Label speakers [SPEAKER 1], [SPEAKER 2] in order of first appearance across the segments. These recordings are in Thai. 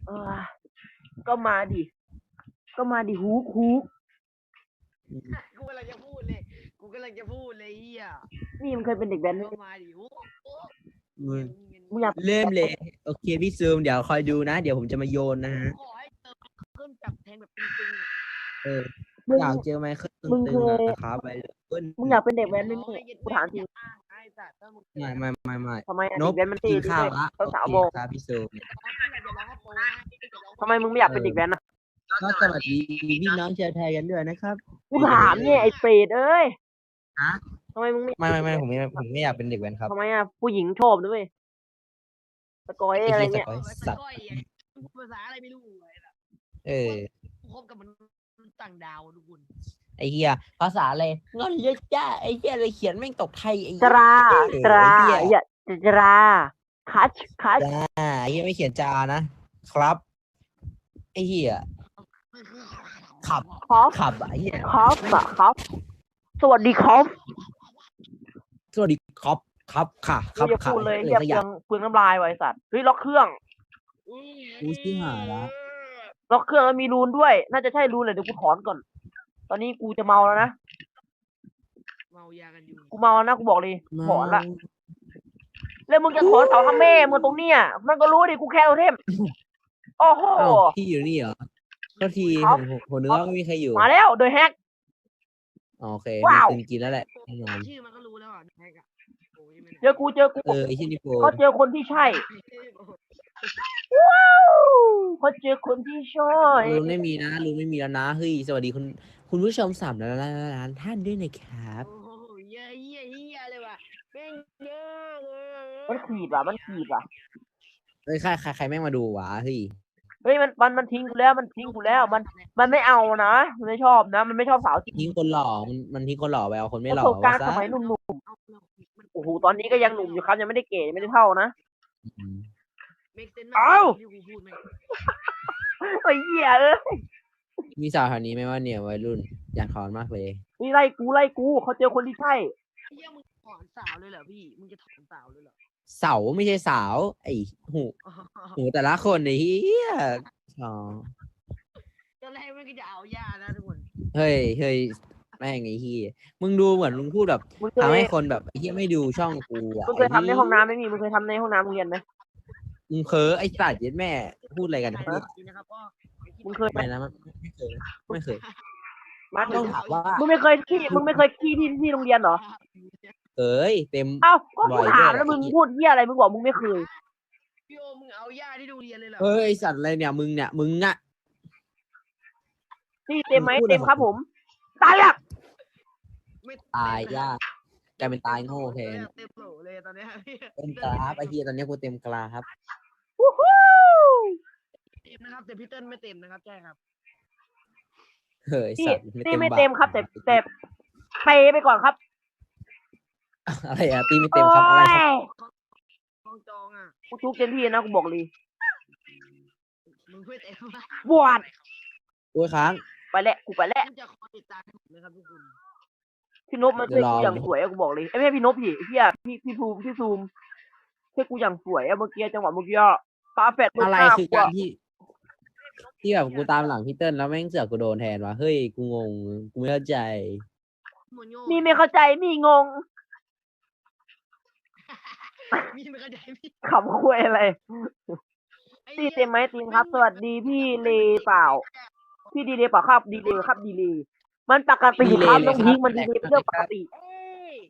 [SPEAKER 1] อก็มาดิฮุก
[SPEAKER 2] กูกำลังจะพูดเลยเฮีย
[SPEAKER 1] นี่มันเคยเป็นเด็กแว้นไหม
[SPEAKER 2] ก็มาดิ
[SPEAKER 1] มึงอยาก
[SPEAKER 3] เริ่มเลยโอเคพี่ซูมเดี๋ยวคอยดูนะเดี๋ยวผมจะมาโยนนะฮะ
[SPEAKER 2] ขอให้เจอเครื่องจับแทงแบบตึงๆ
[SPEAKER 3] เออ
[SPEAKER 1] มึง
[SPEAKER 3] อยากเจอไหมเครื่อง
[SPEAKER 1] มึง
[SPEAKER 3] ตึง
[SPEAKER 1] เคย
[SPEAKER 3] ๆนะครับไปเลย
[SPEAKER 1] มึงอยากเป็นเด็กแว้นไหมเนี่ยกูถามจริง
[SPEAKER 3] ไม่
[SPEAKER 1] ทำไมอะ
[SPEAKER 3] น
[SPEAKER 1] เด็
[SPEAKER 3] บ
[SPEAKER 1] กแว้นมันตี
[SPEAKER 3] กิน
[SPEAKER 1] ดี
[SPEAKER 3] ข้าว
[SPEAKER 1] ด้วย
[SPEAKER 3] ละ
[SPEAKER 1] สาว
[SPEAKER 3] โอ
[SPEAKER 1] ๆบอก
[SPEAKER 3] เคครับพี่ซูม
[SPEAKER 1] ทำไมมึงไม่อยากเป็นเด็กแว้นนะ
[SPEAKER 3] ก็สวัสดีพี่น้องชาวไทยกันด้วยนะครับ
[SPEAKER 1] กูถามเนี่ยไอ้เปรตเอ้ย
[SPEAKER 3] ฮะ
[SPEAKER 1] ทำไมมึงไม่
[SPEAKER 3] ไม่ผมไม่อยากเป็นเด็กแว้นครับ
[SPEAKER 1] ทำไมอ่ะผู้หญิงชอบด้วยสกอยอะไรเงี้ย
[SPEAKER 3] สัตว์
[SPEAKER 2] ภาษาอะไรไม่รู้
[SPEAKER 3] เออ
[SPEAKER 2] คบกับมันต่างดาวทุกคน
[SPEAKER 3] ไอ้เหี้ยภาษาอะไรงอนเยอะจ้าไอ้เหี้ยอะไรเขียนแม่งตกไทยไอ้
[SPEAKER 1] จรา
[SPEAKER 3] ไอ้เหี้ย
[SPEAKER 1] อย่าจราคัช
[SPEAKER 3] ไอ้เหี้ยไม่เขียนจานะครับไอ้เหี้ยขับ
[SPEAKER 1] คอฟ
[SPEAKER 3] ขับไอ้เหี้ย
[SPEAKER 1] คอฟอะคอฟสวัสดีคอฟ
[SPEAKER 3] สวัสดีครับครับค่ะค
[SPEAKER 1] กู
[SPEAKER 3] รับ
[SPEAKER 1] จะ
[SPEAKER 3] ค่ะ
[SPEAKER 1] พูดเลย
[SPEAKER 3] อะไร
[SPEAKER 1] เฮีย
[SPEAKER 3] สักอย่าง
[SPEAKER 1] เปลืองน้ำลายไว้สัตว์เฮ้ยล็อกเครื่อง
[SPEAKER 3] กูชื่อหาละ
[SPEAKER 1] ล็อกเครื่องแล้วมีรูนด้วย น่าจะใช่รูนเลยเดี๋ยวกูถอนก่อน ตอนนี้กูจะเมาแล้วนะ
[SPEAKER 2] เมายากันอยู่
[SPEAKER 1] กูเมาแล้วนะกูบอกเลยถอนละแล้วมึงจะถอนเสาทำแม่มึงตรงเนี้ยมันก็รู้ดิกูแค่โทเทมโอ้โห
[SPEAKER 3] อ้าวพี่อยู่นี่เหรอก็ที
[SPEAKER 1] ครับ
[SPEAKER 3] ผมนึกว่าไม่มีใครอยู่
[SPEAKER 1] มาแล้วโดยแฮก
[SPEAKER 3] อ๋อโอเค
[SPEAKER 1] ว้าว
[SPEAKER 3] มีคนกินแล้วแหละแน่นอน
[SPEAKER 2] ชื่อมันก็รู้แล้วอ่ะแฮกอะโอ้ยไม่
[SPEAKER 1] เจอกู
[SPEAKER 3] ไอ้ที่นี่โปร
[SPEAKER 1] เขาเจอคนที่ใช่เขาเจอคนที่ใช่
[SPEAKER 3] ลุงไม่มีนะลุงไม่มีแล้วนะเฮ้ยสวัสดีคุณผู้ชม3 ล้านท่านด้วยนะครับ
[SPEAKER 2] โอ้โหเยอะเลยว่ะแม่งเยอะเลย
[SPEAKER 1] มันขีดว่ะมันขีดว่ะ
[SPEAKER 3] เฮ้ยใครแม่งมาดูวะเฮ้ย
[SPEAKER 1] เฮ้ยมันทิ้งกูแล้วมันทิ้งกูแล้วมันไม่เอานะมันไม่ชอบนะ มันไม่ชอบสาวจริง
[SPEAKER 3] ทิ้งคนหล่อมันทิ้งคนหล่อไปเอาคนไม่
[SPEAKER 1] ป
[SPEAKER 3] หล่
[SPEAKER 1] ระ
[SPEAKER 3] อ
[SPEAKER 1] สบการณ์
[SPEAKER 3] วะ
[SPEAKER 1] ส
[SPEAKER 3] ซะ
[SPEAKER 1] มัยหนุ่มๆโอ้โหตอนนี้ก็ยังหนุ่มอยู่ครับยังไม่ได้เก๋ไม่ได้เท่านะ
[SPEAKER 3] อืม
[SPEAKER 2] เมกเซน
[SPEAKER 1] เอ้า
[SPEAKER 2] ที่กูพูดไหม
[SPEAKER 1] ไอ้เหี้ยเอ้ย
[SPEAKER 3] มีสาวแถวนี้ไหมว่าเนี่ยวัยรุ่นอยากถอนมากเลย
[SPEAKER 1] นี่ไล่กูเขาเจอคนที่ใช่
[SPEAKER 2] เฮียมึงถอนสาวเลยเหรอพี่มึงจะถอนสาวเลยเหรอ
[SPEAKER 3] เสาไม่ใช่สาวไอ้หูแต่ละคนไอ้เหี้ยอ๋อ
[SPEAKER 2] ตอนแรกมันก็จะเอายานะทุกคน
[SPEAKER 3] เฮ้ยแม่งไอ้เหี้ยมึงดูเหมือนมึงพูดแบบ
[SPEAKER 1] มึงเค
[SPEAKER 3] ทำให้
[SPEAKER 1] ย
[SPEAKER 3] คนแบบไอ้เหี้ยไม่ดูช่องกูอ่ะ
[SPEAKER 1] มึงเคยทำในห้องน้ำไหมมึงเคยทำในห้องน้ำโรงเรียนไหม
[SPEAKER 3] มึงเพ้อไอ้สัตว์เย็ดแม่พูดอะไรกัน
[SPEAKER 2] ใคร
[SPEAKER 3] เนี่ย
[SPEAKER 2] จริงนะครับก็
[SPEAKER 1] มึงเคยไหม
[SPEAKER 3] ไม่นะไม่เคย
[SPEAKER 1] มา
[SPEAKER 3] ต้องถามว่า
[SPEAKER 1] มึงไม่เคยขี้ที่โรงเรียนเหรอ
[SPEAKER 3] เอ้ยเต็ม
[SPEAKER 1] เอ้าก็
[SPEAKER 3] บ่
[SPEAKER 1] กู
[SPEAKER 3] อย
[SPEAKER 1] ถาม
[SPEAKER 3] ด้วย
[SPEAKER 1] แล้วมึงพูดเหี้ยอะไรมึงบอกมึงไม่เคย
[SPEAKER 2] พี่โอมึงเอายาที่ดูเรียนเลยเหรอ
[SPEAKER 3] เฮ้ยไอ้สัตว์อะไรเนี่ยมึงอ่ะ
[SPEAKER 1] ที่เต็มไหม
[SPEAKER 3] มึงพูด
[SPEAKER 1] เต็ม
[SPEAKER 3] อะไร
[SPEAKER 1] ครับผมตายแล้ว
[SPEAKER 2] ไม่
[SPEAKER 3] ตายยากกลายเป็นตายโง่แทน
[SPEAKER 2] เต็มโหลเลยตอนเนี้ยพี่
[SPEAKER 3] เต็มกราฟไอ้เหี้ยตอนนี้กูเต็มกราฟ
[SPEAKER 1] วู้ฮู้
[SPEAKER 2] เต็มนะครับแต่พี่เติ้ลไม่เต็มนะครับใช่ครับ
[SPEAKER 3] เฮ้ย
[SPEAKER 1] ที่
[SPEAKER 3] สัตว์
[SPEAKER 1] ที่ไม่เต็มครับแต่เปไปก่อนครับ
[SPEAKER 3] อะไรอะตีไม่เต็มครับอะไรครับ
[SPEAKER 2] กองจองอ่ะ
[SPEAKER 1] กูทุกเต็มที่นะกูบอกเลย
[SPEAKER 2] มึงเพื่อเต็มมาก
[SPEAKER 1] บวช
[SPEAKER 3] โอ้ยค้าง
[SPEAKER 1] ไปแล้วกูไปแล้ว
[SPEAKER 2] มึงจะคอยติดตามผมนะครับทุกคน
[SPEAKER 1] พี่นพมันเชื่อกูอย่างสวยอะกูบอกเลยไอ้ไม่ใช่พี่นพพี่เฮียพี่ซูมเชื่อกูอย่างสวยอะเมื่อกี้จังหวะเมื่อกี้ปาแฟด
[SPEAKER 3] อะไรคือการที่แบบกูตามหลังพี่เติ้ลแล้วแม่งเสือกกูโดนแทนวะเฮ้ยกูงงกูไม่เข้าใจ
[SPEAKER 2] โมโย
[SPEAKER 1] มีไม่เข้าใจมีงง
[SPEAKER 2] มีไม่เข้าใจพี่
[SPEAKER 1] ขำคุยอะไรตีเต็มไหมตีมครับ สวัสดีพี่เลเปล่า พี่ดีเลยเปล่าครับดีเลยครับดีเลยมันปกติครับต้องทิ้งมันดีเลยเป็นเรื่องปกติ
[SPEAKER 2] เอ้ย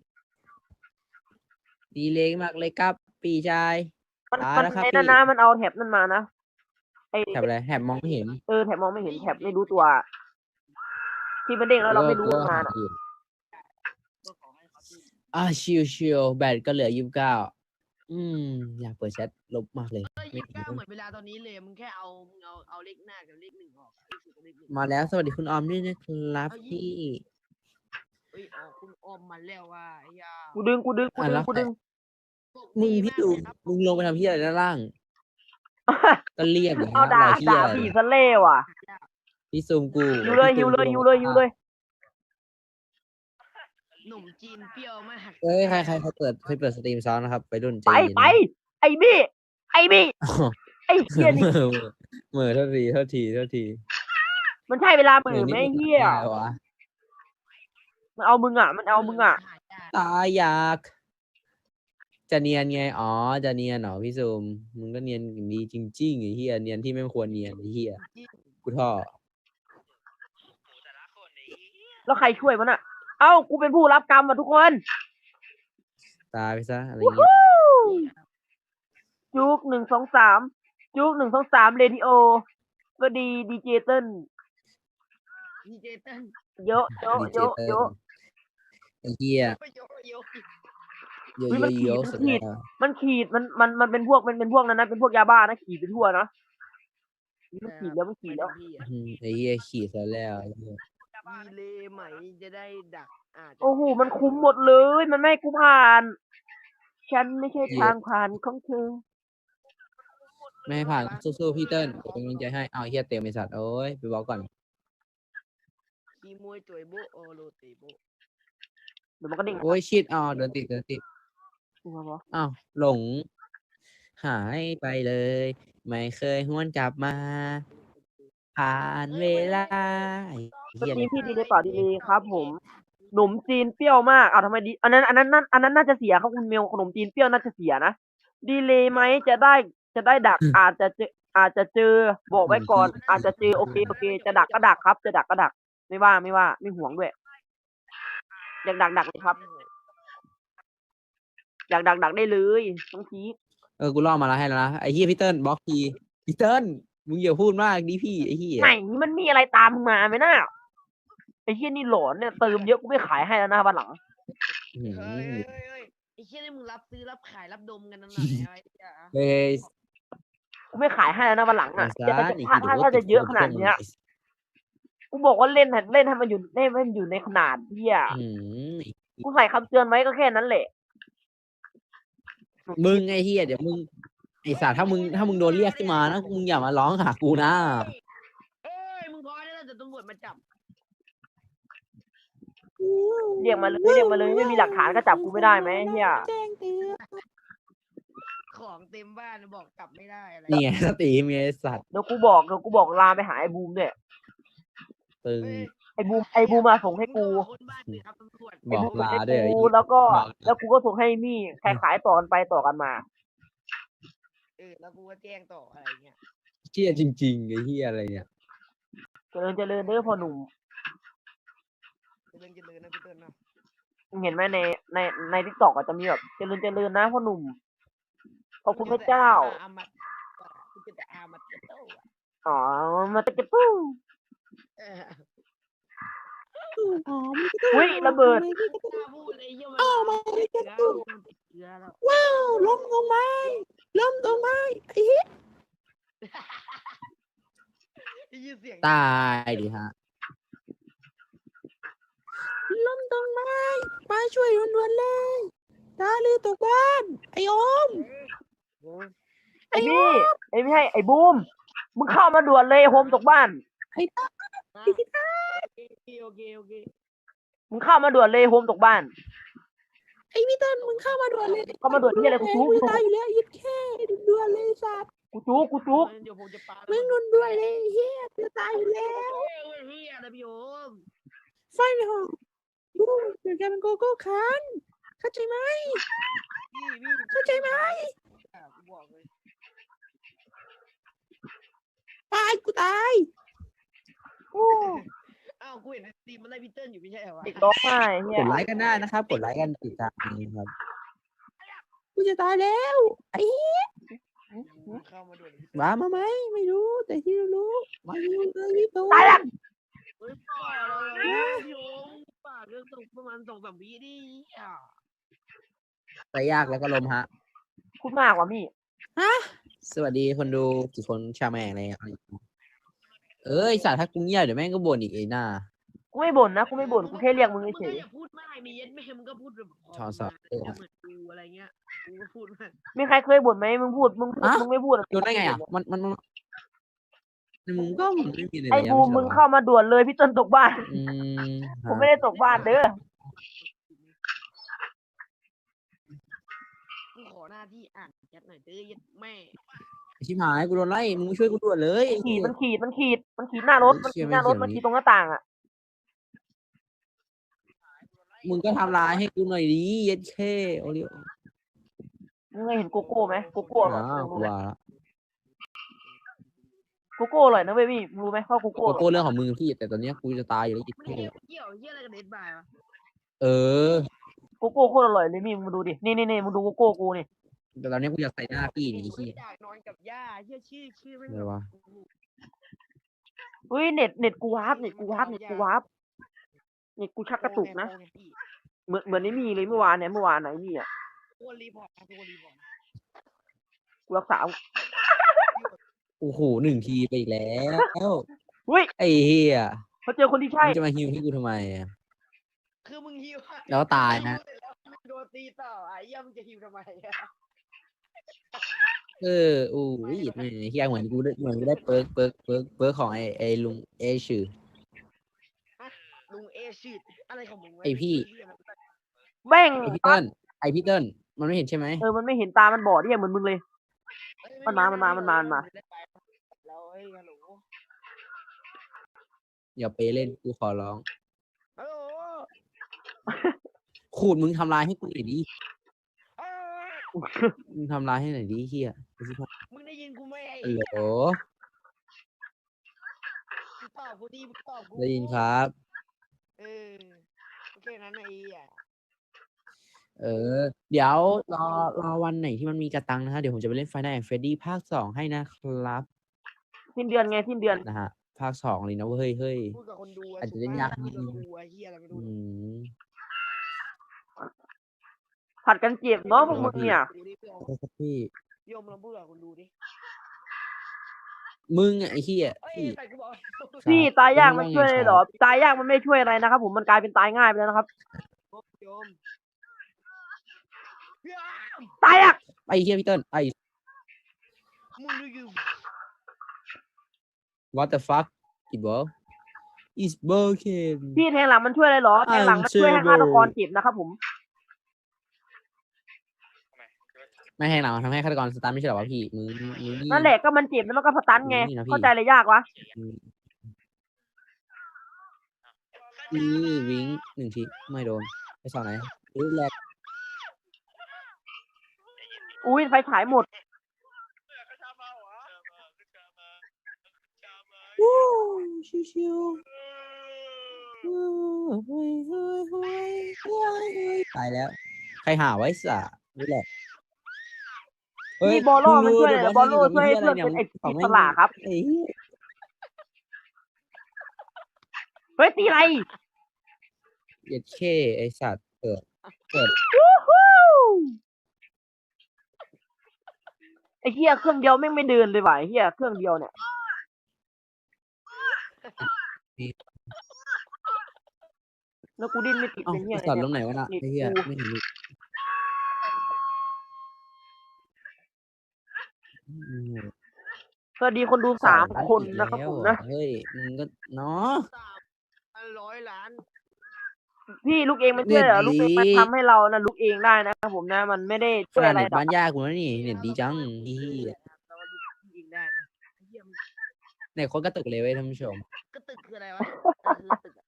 [SPEAKER 3] ดีเลยมากเลยครับปีชาย
[SPEAKER 1] มัน
[SPEAKER 3] นะครับ
[SPEAKER 1] ไอ้นั่นนะมันเอาแถบนั่นมานะไอ
[SPEAKER 3] แถบอะไรแถบมองไม่เห็น
[SPEAKER 1] แถบมองไม่เห็นแถบไม่รู้ตัว ที่มันเด้งแล้วเราไม่รู้งานอะ
[SPEAKER 2] ก็ขอให้เขาที่
[SPEAKER 3] ชิวแบตก็เหลืออยากเปิดแชทลบมากเลย
[SPEAKER 2] ยี่สิบเก้าเหมือนเวลาตอนนี้เลยมึงแค่เอาเลขหน้ากับเลขหนึ่งออกเลขศูนย์กับเลขหนึ่ง
[SPEAKER 3] มาแล้วสวัสดีคุณออมด้วยนะครับพี่
[SPEAKER 2] เฮ้ยอ๋อคุณออมมาแล้วว่าไอ้ยา
[SPEAKER 1] กูดึง
[SPEAKER 3] มึงพี่ดูมึงลงไปทำพี่อะไรด้านล่าง ก็เรียกอย่าง
[SPEAKER 1] เอา
[SPEAKER 3] นี้
[SPEAKER 1] ด่า
[SPEAKER 3] เราเที่ย
[SPEAKER 1] ผีซะเล่ว่ะ
[SPEAKER 3] พี่ซูมกู
[SPEAKER 1] หิวเลย
[SPEAKER 2] หนุ่มจีนเปรี้ยวมาก
[SPEAKER 3] เอ้ยใครเขาเปิดสตรีมซ้อนนะครับไปรุ่นใจ
[SPEAKER 1] ไป
[SPEAKER 3] เย็น
[SPEAKER 1] ไอ้บี้ไอ้เหี้ยนี่
[SPEAKER 3] เหม่อเท่าทีเท่าทีเท่าที
[SPEAKER 1] มันใช่เวลาเห
[SPEAKER 3] เห
[SPEAKER 1] มื
[SPEAKER 3] ม่อ
[SPEAKER 1] อ
[SPEAKER 3] นิ
[SPEAKER 1] ไหม
[SPEAKER 3] ดนึง
[SPEAKER 1] เฮีย
[SPEAKER 3] อะไรวะ
[SPEAKER 1] มันเอามึงอ่ะมันเอามึงอ่ะ
[SPEAKER 3] ตายอยากจะเนียนไงอ๋อจะเนียนเหรอพี่ซูมมึงก็เนียนดีจริงๆไอ้เหี้ยเนียนที่ไม่ควรเนียนไอ้เหี้ยกูท่อ
[SPEAKER 1] แล้วใครช่วยมันอ่ะ เอ้ากูเป็นผู้รับกรรมอ่ะทุกคน
[SPEAKER 3] ตายไปซะอะไร
[SPEAKER 1] วู้
[SPEAKER 3] เงี้ย
[SPEAKER 1] ฮู้จุก1 2 3จุก1 2 3เรดิโอก็ดีดีเจเติ้ล
[SPEAKER 2] ดีเจเต้น
[SPEAKER 1] เยอะเยอะ
[SPEAKER 3] ดีเจ
[SPEAKER 1] เยอะ
[SPEAKER 3] เติ้
[SPEAKER 1] เย
[SPEAKER 3] ล
[SPEAKER 1] อะ
[SPEAKER 3] ไอ้เหี้ย
[SPEAKER 2] โยโย
[SPEAKER 3] เยอะ
[SPEAKER 1] อุ๊ย
[SPEAKER 3] เย
[SPEAKER 1] มัน
[SPEAKER 3] อะ
[SPEAKER 1] ขี
[SPEAKER 3] เย
[SPEAKER 1] ด
[SPEAKER 3] อะ
[SPEAKER 1] มัน
[SPEAKER 3] สุด
[SPEAKER 1] ขีด
[SPEAKER 3] แล้ว
[SPEAKER 1] มันขีดมันเป็นพวกมันเป็นพวกนั้นนะเป็นพวกยาบ้านะขีดไปทั่วนะมันขีดแล้วมันขีดแล้ว
[SPEAKER 2] พี่อะ
[SPEAKER 3] ไอ้เหี้ยขี่ซะแล้วไอ้เหี้ย
[SPEAKER 2] ดีเลยไหมจะได้ดักจจะ
[SPEAKER 1] โอ้โหมันคุ้มหมดเลย มันไม่ให้กูผ่าน ฉันไม่ใช่ทางผ่านของเธอ
[SPEAKER 3] ไม่ให้ผ่านสู้ๆพี่เติ้ลเป็นกำลังใจให้เอาไอ้เหี้ยเต็มไอ้สัตว์โอ้ยไปบอกก่อน
[SPEAKER 2] ขี้มวยตัวโบโอโรติโบ
[SPEAKER 1] เดี๋ยวมันก็ดิ่ง
[SPEAKER 3] โอ้ยชิดอ๋อเดินติดอ้าวหลง หายไปเลย ไม่เคยหวนกลับมา ผ่านเวลาไอ้
[SPEAKER 1] ส
[SPEAKER 3] เหี้ย
[SPEAKER 1] ตรี
[SPEAKER 3] เนี่
[SPEAKER 1] ม
[SPEAKER 3] ย
[SPEAKER 1] พี่ดีเลยเปล่าดีเลยครับผมขนมจีนเปรี้ยวมากอ้าวทำไมดีอันนั้นน่าจะเสียครับคุณเมลขนมจีนเปรี้ยวน่าจะเสียนะดีเลยไหมจะได้ดัก อาจจะเจอบอกไว้ก่อน อาจจะเจอโอเคจะดักก็ดักครับ จะดักก็ดัก ไม่ว่าไม่ห่วงด้วยอยากดักเลยครับ อยากดักได้เลยต้องพีค
[SPEAKER 3] กูล่อมาแล้วให้แล้วนะไอ้เหี้ยพี่เติ้ลบล็อกทีพี่เติ้ลมึงอย่าพูดมากดิพี่ไอ้เหี้ย
[SPEAKER 1] ไหนมันมีอะไรตามมึงมาไหมน่าไอ้เหี้ยนี่หลอนเนี่ยเติมเยอะกูไม่ขายให้แล้วนะวันหลัง
[SPEAKER 3] อื้อหื
[SPEAKER 2] เฮ้ย
[SPEAKER 3] อ
[SPEAKER 2] ไอ้เชี่ยนี่มึงรับซื้อรับขายรับดมกันนั่นแหละไอ้เหี้ย
[SPEAKER 3] เฮ้ย
[SPEAKER 1] กูไม่ขายให้แล้วนะวันหลัง
[SPEAKER 3] ไอ้
[SPEAKER 1] อ่ะ
[SPEAKER 3] สารไอ้
[SPEAKER 1] ถ้า
[SPEAKER 3] เหี้ย
[SPEAKER 1] จะเยอะขนาดเนี้ย กูบอกว่าเล่นให้มันอยู่ในขนาดเที่ย
[SPEAKER 3] อื้อหือ
[SPEAKER 1] กูใส่คำเตือนไว้ก็แค่นั้นแหละ
[SPEAKER 3] มึงไอ้เหี้ยเดี๋ยวมึงไอ้สัตว์ถ้ามึงโดนเรียกขึ้นมานะมึงอย่ามาร้องหากูนะ
[SPEAKER 2] เอ้ยมึงพอได้แล้วแต่ตำรวจมาจับ
[SPEAKER 1] เรียกมาเลยไม่มีหลักฐานก็จับกูไม่ได้ไหมเฮีย
[SPEAKER 2] ของเต็มบ้านบอกกลับไม่ได้อะไร
[SPEAKER 3] นี่ไงสตรีมไงไอ้สัตว์
[SPEAKER 1] เดี๋ยวกูบอกลาไปหาไอ้บูมด้วย
[SPEAKER 3] ตึง
[SPEAKER 1] ไอ้บูมมาส่งให้กู
[SPEAKER 2] คนบ้านเลยครับตำรวจ
[SPEAKER 3] บอก
[SPEAKER 1] ไอ้บูม
[SPEAKER 3] ลา
[SPEAKER 1] ให้
[SPEAKER 3] ด้วยไอ้
[SPEAKER 1] กู
[SPEAKER 3] เหี้ย
[SPEAKER 1] แล้วกูก็ส่งให้มี่ใครขายต่อกันไปต่อกันมา
[SPEAKER 2] แล้วกูก็แจ้งต่ออะไรเงี้ย
[SPEAKER 3] เหี้ยจริงๆไอ้เหี้ยอะไรเนี่ย
[SPEAKER 1] เจริญเด้อพ่อหนุ่ม
[SPEAKER 2] เจริญนะพี่เติ้ลนะ
[SPEAKER 1] มึงเห็นไหมในทิกตอกอาจจะมีแบบเจริญนะพ่อหนุ่มขอบคุณพระเจ้า
[SPEAKER 2] อามัดกูจะแต่อามัดเจ้า
[SPEAKER 1] อ๋อมาตะเก็บปุ้งอุ้ยระเบิด
[SPEAKER 2] ถ้าพูดไอ้เหี้ยมันเกลือแล้ว
[SPEAKER 3] ว้าวล้มตรงไม้ไอ้เหี้ย
[SPEAKER 2] ได้ยินเสียง
[SPEAKER 3] ตายดิฮะล้มตรงไม้มาช่วยด่วนๆเลยตาลือตกบ้านไอ้โอม
[SPEAKER 1] ไอ้พี่ไม่ใช่ไอ้บูมมึงเข้ามาด่วนเลยโฮมตกบ้าน
[SPEAKER 2] โอเค
[SPEAKER 1] มึงเข้ามาด่วนเลยโฮมตกบ้าน
[SPEAKER 3] ไอ้พี่เติ้ลมึงเข้ามาด่วนเลย
[SPEAKER 1] เข้ามาด่วนที่อะไรกูจุก
[SPEAKER 3] ตายอยู่แล้วยิบแค่ด่วนเลยสัตว์
[SPEAKER 1] กูจุก
[SPEAKER 2] เดี๋ยวผมจะปา
[SPEAKER 3] มึงด่วนเลยเฮียจะตายอยู่แล้ว
[SPEAKER 2] เฮียนะพี่โอม
[SPEAKER 3] ไฟในห้องดูเดี๋ยวแกเป็นโกโก้คันเข้าใจไหม
[SPEAKER 2] พี่
[SPEAKER 3] เข้าใจไหม
[SPEAKER 2] กูบอกเลย
[SPEAKER 3] ตายกูตาย
[SPEAKER 1] โอ้
[SPEAKER 2] อ้าวกูเห็นตีมันไล่พี่เติ้ลอยู่ไม่ใช่เหรอวะ
[SPEAKER 1] เด็กร้องไห้เฮี
[SPEAKER 3] ก
[SPEAKER 1] ย
[SPEAKER 3] ดไลค์กันได้นะครับกดไลค์กันติดตามครับกูจะตายแล้วไอ้
[SPEAKER 2] เข้ามาด่วน
[SPEAKER 3] มาไหมไม่รู้แต่ที่รู้มาอยู่เลยพี่ตู
[SPEAKER 1] ตายแล้ว
[SPEAKER 2] เฮ้ยป่าเราพี่โอมป่าเรื่องตกประมาณ2-3 วิดิอ่ะ
[SPEAKER 3] ไปยากแล้วก็ลมฮะ
[SPEAKER 1] พูดมากว่ะมี่
[SPEAKER 3] สวัสดีคนดูกี่คนชาแม่งอะไรเอ้ยสัตว์ถ้ากูเงียบเดี๋ยวแม่งก็บ่นอีกไอ้หน้า
[SPEAKER 1] กูไม่บ่นนะกูไม่บ่นกูแค่เรียกมึงเฉย
[SPEAKER 2] อย่าพูดมากมีเย็ดแม่มึงก็พูดแบบเหมือนกูอะไรเงี้ยกูก็พูดมาก
[SPEAKER 1] มีใครเคยบ่นไหมมึงพูดมึงไม่พูด
[SPEAKER 3] โดนได้ไงอ่ะมันมึงก็มันไม่มีอะไร
[SPEAKER 1] ไอ้บูมมึงเข้ามาด่วนเลยพี่ต้นตกบ้าน
[SPEAKER 3] อืม
[SPEAKER 1] ผมไม่ได้ตกบ้านเด้อ
[SPEAKER 2] กูขอหน้าที่อ่านแชทหน่อยเด้อเย็ดแม่
[SPEAKER 3] ชิบหายกูโดนไล่มึงมาช่วยกูด่วนเลยไอ้
[SPEAKER 1] ขี
[SPEAKER 3] เหี้
[SPEAKER 1] ด
[SPEAKER 3] ย
[SPEAKER 1] มันขีดมันขีดมันขีดหน้ารถ
[SPEAKER 3] เฮ้ย
[SPEAKER 1] มัน
[SPEAKER 3] เชี่
[SPEAKER 1] ขี
[SPEAKER 3] ย
[SPEAKER 1] ดหน้ารถ
[SPEAKER 3] ไม่
[SPEAKER 1] มัน
[SPEAKER 3] เขี
[SPEAKER 1] ขี
[SPEAKER 3] ย
[SPEAKER 1] ด
[SPEAKER 3] น
[SPEAKER 1] ตรงหน้าต่างอ่ะ
[SPEAKER 3] มึงก็ทำร้ายให้กูหน่อยดิเย็ดเข้โอริโอ
[SPEAKER 1] มึงเคยเห็นโกโก้ไหมโกโก้อร่อย
[SPEAKER 3] กูว่าละ
[SPEAKER 1] โกโก้อร่อยนะเว้ยพี่มึงรู้ไหมว่าโกโก้
[SPEAKER 3] โกโก้เรื่องของมึงพี่แต่ตอนเนี้ยกูจะตายอยู่แล้วเย็ด
[SPEAKER 2] ไม่
[SPEAKER 3] เข้
[SPEAKER 2] เกี่ยวเหี้ยอะไรกับเด็ดบายวะ
[SPEAKER 3] เออ
[SPEAKER 1] โกโก้โคตรอร่อยเลยมี่มึงดูดินี่มึงดูโกโก้กูนี่
[SPEAKER 3] แต่ตอนเนี้ยกูอยากใส่หน้าพี่นี่ไอ้
[SPEAKER 2] เฮ้
[SPEAKER 3] เหี้
[SPEAKER 2] ย
[SPEAKER 3] ย
[SPEAKER 2] อยากนอนกับย่าเหี้ยชื่อไม่
[SPEAKER 3] อะไรวะ
[SPEAKER 1] เฮ้ยเน็ตกูวาร์ปเน็ตกูวาร์ปเน็ตกูชักกระตุกนะเหมือนไอ้มี่เลยเมื่อวานไหนมี่อ่ะ
[SPEAKER 2] ตัวรีพอร์ตตัวรีพอร์ต
[SPEAKER 1] กูรักษา
[SPEAKER 3] โอ้โห1 ทีไปอีกแล้ว
[SPEAKER 1] เฮ้ย
[SPEAKER 3] ไอ้เหี้ย
[SPEAKER 1] เขาเจอคนที่ใช่
[SPEAKER 3] มึงจะมาฮิวให้กูทำไมอะ
[SPEAKER 2] คือมึงฮิวอะ
[SPEAKER 3] แล้วตายนะ
[SPEAKER 2] โดนตีต่อไอ้เหี้ยมึงจะฮิวทำไมอะ
[SPEAKER 3] เอออู้ยไม่เฮียเหมือนกูได้เปิร์กของไอ้ลุงเอชื่อ
[SPEAKER 2] ลุงเอชื่ออะไรของมึงวะ
[SPEAKER 3] ไอ้พี่
[SPEAKER 1] แม่ง
[SPEAKER 3] ไอพี่เติ้ลมันไม่เห็นใช่ไหม
[SPEAKER 1] มันไม่เห็นตามันบอดเนี่ยเหมือนมึงเลย มันมา
[SPEAKER 2] แล้วเฮ้ยฮัลโหล
[SPEAKER 3] อย่าไปเล่นกูขอร้อง
[SPEAKER 2] ฮัลโหล
[SPEAKER 3] ขูดมึงทำลายให้กูหน่อยดิ
[SPEAKER 2] อ้าว
[SPEAKER 3] มึงทำลายให้หน่อยดิเฮีย
[SPEAKER 2] มึงได้ยินกูไหมไอ้
[SPEAKER 3] ฮัลโหล
[SPEAKER 2] มึงตอบกูดิมึงตอบกู
[SPEAKER 3] ได้ยินครับ
[SPEAKER 2] เออโอเคนั้นไอ้เหี้ย
[SPEAKER 3] เออ เดี๋ยวรอวันไหนที่มันมีกระตังนะฮะเดี๋ยวผมจะไปเล่นไฟนอลแอนด์เฟรดดี้ภาค 2ให้นะครับ
[SPEAKER 1] สิ้นเดือนไงสิ้นเดือน
[SPEAKER 3] นะฮะภาค 2เลยนะเว้ยเฮ้ย
[SPEAKER 2] พูดกับคนดู
[SPEAKER 3] อาจจะเล่นยากนิ
[SPEAKER 2] พู
[SPEAKER 3] ด
[SPEAKER 2] ด
[SPEAKER 3] นึ
[SPEAKER 2] กับ
[SPEAKER 3] ง
[SPEAKER 2] กูไอ้เหี้ยอะไรไม่
[SPEAKER 3] อื
[SPEAKER 2] รู้
[SPEAKER 3] ม
[SPEAKER 1] ผัดกันเจ็บเนาะพวกมึงเนี่ย
[SPEAKER 2] ดูดิพี่โอม
[SPEAKER 3] โทษครับพี่
[SPEAKER 2] พี่โอมลองพูดกับคนดูดิ
[SPEAKER 3] มึงอะไอ้เฮีย
[SPEAKER 2] เอ้ย
[SPEAKER 3] พี่
[SPEAKER 2] ใส่กูบอก
[SPEAKER 1] พี่ตายยากมัน
[SPEAKER 3] ว่าไง
[SPEAKER 1] ช่วยเลยเหรอ ตายยากมันไม่ช่วยอะไรนะครับผมมันกลายเป็นตายง่ายไปแล้วนะครับ
[SPEAKER 2] พี่โอม
[SPEAKER 1] ตายยาก
[SPEAKER 3] ไอ้เฮียพี่เติ้ลไอ้
[SPEAKER 2] มึงดูอยู่
[SPEAKER 3] what the fuck it bro is broken
[SPEAKER 1] พี่แทงหลังมันช่วยอะไรเหรอแทงหลังมันช่วยให้ฆาตกรเจ็บนะครับผม
[SPEAKER 3] ไม่แทงหลังมันทำให้ฆาตกรสตาร์ทไม่ใช่เหรอวะพี่มึงนี่
[SPEAKER 1] นั่นแหละก็มันเจ็บแล้วมันก็สตันไง
[SPEAKER 3] นี่นะพี่
[SPEAKER 1] เข้าใจอะไรยากวะ
[SPEAKER 3] วิง1 ทีไม่โดนไปสองไหนแรก
[SPEAKER 1] อุ้ยไฟฉายหมด
[SPEAKER 3] วู้ชิวๆตายแล้ว ใครหาไว้สะนี่แหละ
[SPEAKER 1] มีบอลโล่มันช่วยอะไรบอลโล่ช่วยให้เพื่อนเป็นไอ้อิสระครับ
[SPEAKER 3] ไอ้
[SPEAKER 1] เฮ้ยตีอะไร
[SPEAKER 3] เย็ดเคไอสัตว์เปิด
[SPEAKER 1] ไอ้เหี้ยเครื่องเดียวแม่งไม่เดินเลยว่ะไอ้เหี้ยเครื่องเดียวเนี่ยแล้วกูดิ้นไม่ติด
[SPEAKER 3] เอ้า
[SPEAKER 1] เป็นเหี้ย
[SPEAKER 3] ไอ
[SPEAKER 1] อะไร
[SPEAKER 3] สัตว์
[SPEAKER 1] เนี่
[SPEAKER 3] ล้
[SPEAKER 1] ย
[SPEAKER 3] มไหนวะน่ะไอ้เหี้ยไม่เห็นเลย
[SPEAKER 1] สวัสดีคนดู3 คนนะครับผมนะ
[SPEAKER 3] เฮ้ยมึงก็เนาะ
[SPEAKER 2] 100 ล้าน
[SPEAKER 1] พี่ลูกเองมันช่วยเหรอ
[SPEAKER 3] เน็ตดี
[SPEAKER 1] ลูกเองมันทำให้เรานะลูกเองได้นะครับผมนะมันไม่ได้
[SPEAKER 3] ข
[SPEAKER 1] ช่วย
[SPEAKER 3] นาด
[SPEAKER 1] อะไร
[SPEAKER 3] เน็ต
[SPEAKER 1] หรอก
[SPEAKER 3] บ้านยากกูนะนี่เน็ตดีจังอีเหี้ย
[SPEAKER 2] เราดูยิงได้นะไอ้เหี้ยมัน
[SPEAKER 3] เน็ตโคตรกระตุกเลยเว้ยท่านผู้ชม
[SPEAKER 2] กระตึกคืออะไรวะคือตึกอะ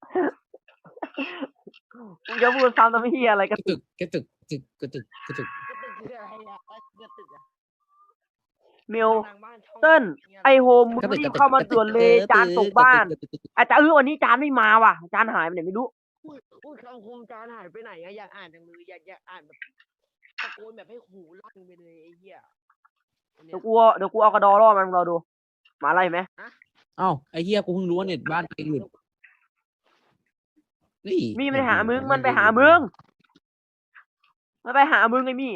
[SPEAKER 1] มึงจะพูดซ้ำทำไมเหี้ยอะไร
[SPEAKER 3] ก
[SPEAKER 1] กัน
[SPEAKER 3] ระตุกกระตุกกระตุก
[SPEAKER 2] กระตึกคืออะไรอะกระตึกอะ
[SPEAKER 1] เมล
[SPEAKER 2] ทางบ้านช่อง
[SPEAKER 1] เติ้ลไอโฮมมึงรีบเข้ามาด่วนเลยจานตกบ้านอาจจะวันนี้จานไม่มาว่ะจานหายไปไหนไม่รู้
[SPEAKER 2] อุ้ยคำคมจานหายไปไหนอะอยากอ่านจังเลยอยากอ่านแบบตะโกนแบบให้หูลั่นไปเลยไอ้เหี้ยอันเนี้
[SPEAKER 1] เดี๋
[SPEAKER 2] ย
[SPEAKER 1] ยวกูเอากระดอล่อมันเราดูมาอะไรไหม
[SPEAKER 3] เอ้าไอ้เหี้ยกูเพิ่งรู้ว่าเน็ตบ้านตัวเองหลุดนี่
[SPEAKER 1] มีมันไปหามึงมันไปหามึงมันไปหามึงไอ้มี่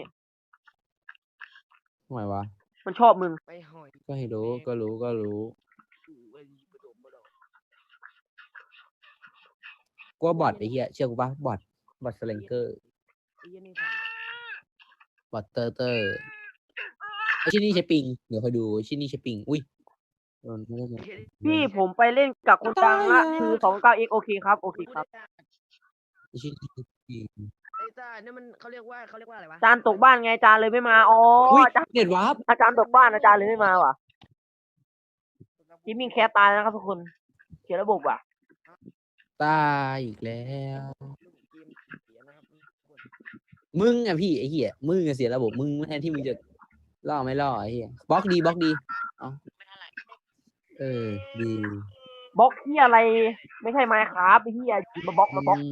[SPEAKER 3] ทำไมวะ
[SPEAKER 1] มันชอบมึง
[SPEAKER 2] ไปหอย
[SPEAKER 3] ก็ให้รู้ก็รู้
[SPEAKER 2] หูไอ้บดมบดม
[SPEAKER 3] กูว่าบอทไอ้เหี้ยเชื่อกูปะบอทสเลงเกอร์
[SPEAKER 2] ไอ้เหี้ยนี่ผ่าน
[SPEAKER 3] บอทเตอร์ไอ้ชิ้นนี้ใช้ปิงเดี๋ยวคอยดูชิ้นนี้ใช้ปิงอุ้ยโดนไม่ได้ไง
[SPEAKER 1] พี่ผมไปเล่นกับคนดังละคือ29x โอเคครับโอเคครับ
[SPEAKER 3] ไอ้ชิ้นนี้ใช้ปิง
[SPEAKER 2] ไอ้อ้จ้าเนี่ยมันเขาเรียกว่าอะไรวะ
[SPEAKER 1] อาจารย์ตกบ้านไงอาจารย์เลยไม่มาอ๋อ
[SPEAKER 3] อุ้ย
[SPEAKER 1] อาจารย์
[SPEAKER 3] เน็ตวาร์ป
[SPEAKER 1] อาจารย์ตกบ้านอาจารย์เลยไม่มาว่ะจิมมิ่งแคสตายแล้วนะครับทุกคนเขียนระบบว่ะ
[SPEAKER 3] ตายอีกแล้ว
[SPEAKER 2] เกมเสียนะครับ
[SPEAKER 3] มึงอะพี่ไอ้เหี้ยมึงอะเสียระบบมึงแทนที่มึงจะล่อไม่ล่อไอ้เหี้ยบล็อกดีเอาเออดี
[SPEAKER 1] บล็อกที่อะไรไม่ใช่ไมค์ครับไอ้ที่มาบล็อกมาบล็อก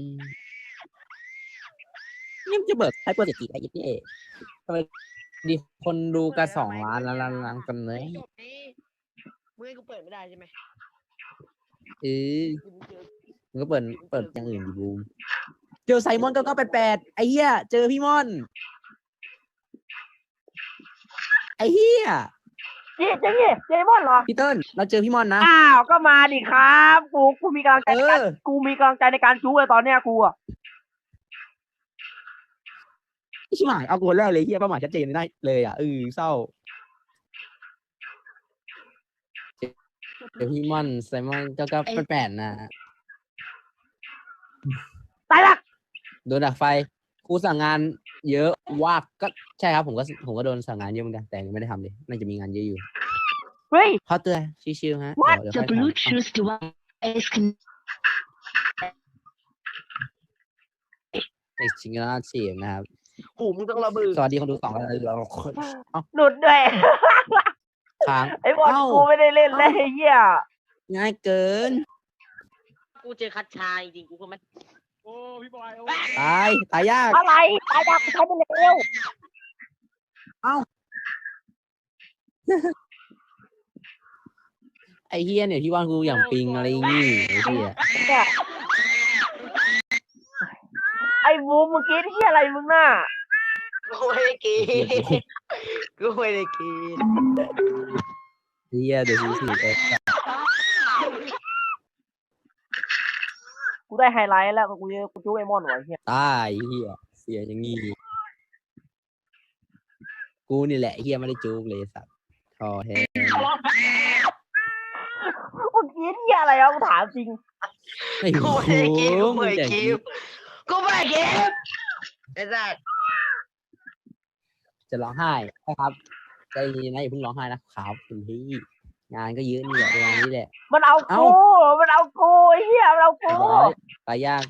[SPEAKER 3] นี่มันจะเบิกไฮเปอร์เศรษฐีไอ้ยี่เอ๋ทำไมดีคนดูกัน2 ล้านล้านกันเลย
[SPEAKER 2] จบนี้มึงให้กูเปิดไม่ได้ใช่ไหม
[SPEAKER 3] เออ
[SPEAKER 2] กูเจอ
[SPEAKER 3] มึงก็เปิดอย่างอื่นดิบูมเจอไซมอน9988ไอ้เหี้ยเจอพี่มอนไอ้เหี้ย
[SPEAKER 1] เจ๊เจมอนเหรอ
[SPEAKER 3] พี่เติ้ลเราเจอพี่มอนนะ
[SPEAKER 1] อ้าวก็มาดิครับกูมีกำลังใจในการ
[SPEAKER 3] เออ
[SPEAKER 1] กูมีกำลังใจในการจู้เลยตอนเนี้ยกูอะ
[SPEAKER 3] ชิบหายเอากูคนแรกเลยเหี้ยเป้าหมายชัดเจนได้เลยอ่ะเศร้าเจอพี่มอนไซมอน9988นะ
[SPEAKER 1] ตายละ
[SPEAKER 3] โดนดักไฟครูสั่งงานเยอะวากก็ใช่ครับผมก็โดนสั่งงานเยอะเหมือนกันแต่ยังไม่ได้ทำเลยน่าจะมีงานเยอะอยู่
[SPEAKER 1] เฮ้ย
[SPEAKER 3] เขาเตือนชิวๆฮะเดี๋ยว
[SPEAKER 4] The
[SPEAKER 3] ค่อยทำ
[SPEAKER 4] Bluetooth device can
[SPEAKER 3] ในชิงเกิลชีพนะครับ
[SPEAKER 2] หูมึงต้องระเบิด
[SPEAKER 3] สวัสดีคนดู2 คนเอ้า
[SPEAKER 1] หลุดด้วย
[SPEAKER 3] ค้าง
[SPEAKER 1] ไอ้บอล
[SPEAKER 3] เอ้า
[SPEAKER 1] กูไม่ได้เล่นเลยไอ้เหี้ย
[SPEAKER 3] ง่ายเกิน
[SPEAKER 2] กูเจอคัดชาจริงๆกูก็ไม่
[SPEAKER 5] โอ้พี่บอยโอ้
[SPEAKER 3] ตายยาก
[SPEAKER 1] อะไรตายดักใช้ไปเร็ว
[SPEAKER 3] ไอ้เฮียเนี่ยที่ว่านกูอย่างปิงอะไรงี้ไอ้เฮีย
[SPEAKER 1] เนี่ยไอ้บูมเมื่อกี้ที่อะไรมึงน่ะ
[SPEAKER 2] กูไม่ได้กินกูไม่ได้กิน
[SPEAKER 3] เฮียเดี๋ยวสิไป
[SPEAKER 1] กูได้ไฮไลท์แล้วกูจู้ไอ้มอนไว้เหี้ย
[SPEAKER 3] ตายเฮียเสียอย่างงี้กูนี่แหละเฮียไม่ได้จูบเลยสัตว์คอแห้ง
[SPEAKER 1] เมื่อกี้ที่อะไรวะกูถามจริง
[SPEAKER 3] ไม่
[SPEAKER 2] กู
[SPEAKER 3] รู้
[SPEAKER 2] ไม่ได้กินกู
[SPEAKER 3] มึ
[SPEAKER 2] ไม่
[SPEAKER 3] ง
[SPEAKER 2] ได้
[SPEAKER 3] แต่
[SPEAKER 2] กินกูไม่ได้กินไอ้สัส
[SPEAKER 3] จะร้องไห้นะครับใจเย็นนะอย่าเพิ่งร้องไห้นะครับคุณพี่งานก็เยอะนี่แหละเวลานี้แหละ
[SPEAKER 1] มันเอา
[SPEAKER 3] เอ้า
[SPEAKER 1] กูไอ้เหี้ยมันเอากู
[SPEAKER 3] เรียบร้อยตายยาก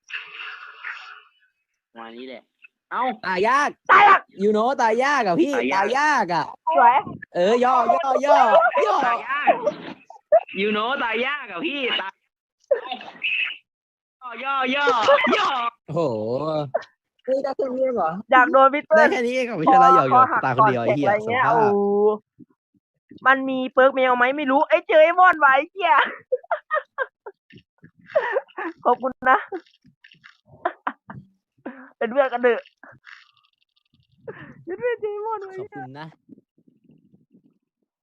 [SPEAKER 5] วันนี้แหละ
[SPEAKER 3] ตายยาก
[SPEAKER 1] ตายละ
[SPEAKER 3] ยูโนตายยากอ่ะพี่ตายยากอ่ะ
[SPEAKER 1] สวย
[SPEAKER 3] ย่อย่อ
[SPEAKER 5] ตายยากยูโนตายยากอะพี่ตายย่อ
[SPEAKER 3] โอ้โหเฮ้ยได้แค่นี้เองเหรอ
[SPEAKER 1] อยากโดนพี่เติ้
[SPEAKER 3] ได้
[SPEAKER 1] ล
[SPEAKER 3] แค่นี้เองเหรอไม่ใช่ละหยอกตายคนเดียวไอ้เหี้ย
[SPEAKER 1] อะไร
[SPEAKER 3] ส
[SPEAKER 1] เงี้ย
[SPEAKER 3] ภาพ
[SPEAKER 1] โอ้มันมีเปิร์กแมวไหมไม่รู้ไอ้เจอไอ้มอนไว้เหี้ยขอบคุณนะ เป็นเพื่อนกันเถอะเป็นเพื่อนเจอไอ้มอนไว้
[SPEAKER 3] ขอบคุณนะ